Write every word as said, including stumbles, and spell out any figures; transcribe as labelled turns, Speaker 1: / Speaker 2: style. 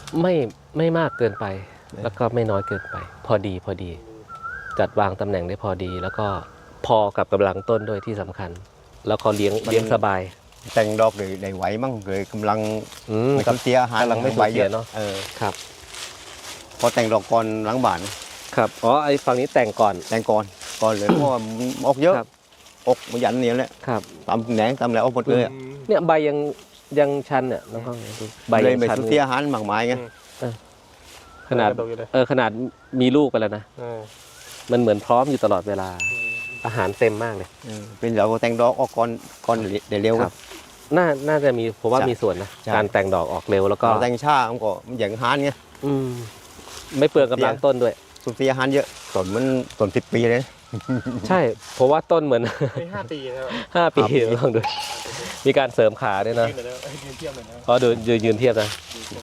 Speaker 1: ไม่ไม่มากเกินไป แล้วก็ไม่น้อยเกินไป พอดีพอดี จัดวางตำแหน่งได้พอดี แล้วก็พอกับกำลังต้นด้วยที่สำคัญ แล้วก็เลี้ยงเลี้ยงสบาย
Speaker 2: แต่งดอกเลยได้ไหวมั่งเลยกำลัง
Speaker 1: อืม
Speaker 2: ไม่
Speaker 1: ครั
Speaker 2: ต้
Speaker 1: บ
Speaker 2: องเสียอาหาร
Speaker 1: กำลังไม่สูญเสียเนอะ
Speaker 2: เออ
Speaker 1: ครับ
Speaker 2: พอแต่งดอกก่อนหลังบ้าน
Speaker 1: ครับอ๋อไอ้ฝั่งนี้แต่งก่อน
Speaker 2: แต่งก่อนก่อนเลย เพราะว่ามันออกเยอะ
Speaker 1: ครับ
Speaker 2: ออกมายันเนี่ยแหละ
Speaker 1: ครับ
Speaker 2: ตำแหนงตำอะไรออกหมดเลยอะ
Speaker 1: เนี่ยใบยังยังชันเนี่ยน้องข้องดูใบ
Speaker 2: เลย
Speaker 1: ยัง
Speaker 2: ไม่
Speaker 1: ชัน
Speaker 2: สูญเสียอาหารมากมายไง
Speaker 1: ขนาด
Speaker 3: ตกอยู่เลย
Speaker 1: เออขนาดมีลูกไปแล้วนะ
Speaker 3: เออ
Speaker 1: มันเหมือนพร้อมอยู่ตลอดเวลา อาหารเต็มมากเลย
Speaker 2: เออเป็นเราแต่งดอกออกก่อนก่อนเดี๋ยวเร็ว
Speaker 1: ครับ น่าน่าจะมีผมว่า
Speaker 2: ใช่
Speaker 1: มีส่วนนะ
Speaker 2: ใช่
Speaker 1: การแต่งดอกออกเร็วแล้วก็
Speaker 2: เราแต่งช้ามันก็มันอย่างอาหารไง
Speaker 1: อืมไม่เปลืองกำลังต้นด้วย
Speaker 2: สูญเสียอาหารเยอะต้นมันต้นสิบปีเลยนะ
Speaker 1: ใช่เพราะว่าต้นเหมือน
Speaker 3: ไม่ห้าปีแล้ว
Speaker 1: ห้าปี
Speaker 2: ห้าปี
Speaker 1: ลองดู มีการเสริมขาด้วยนะ
Speaker 3: ยืนหน่อยแล้วยืนเทียบหน่อยนะ
Speaker 1: เพราะดูยืนยืนเทียบนะ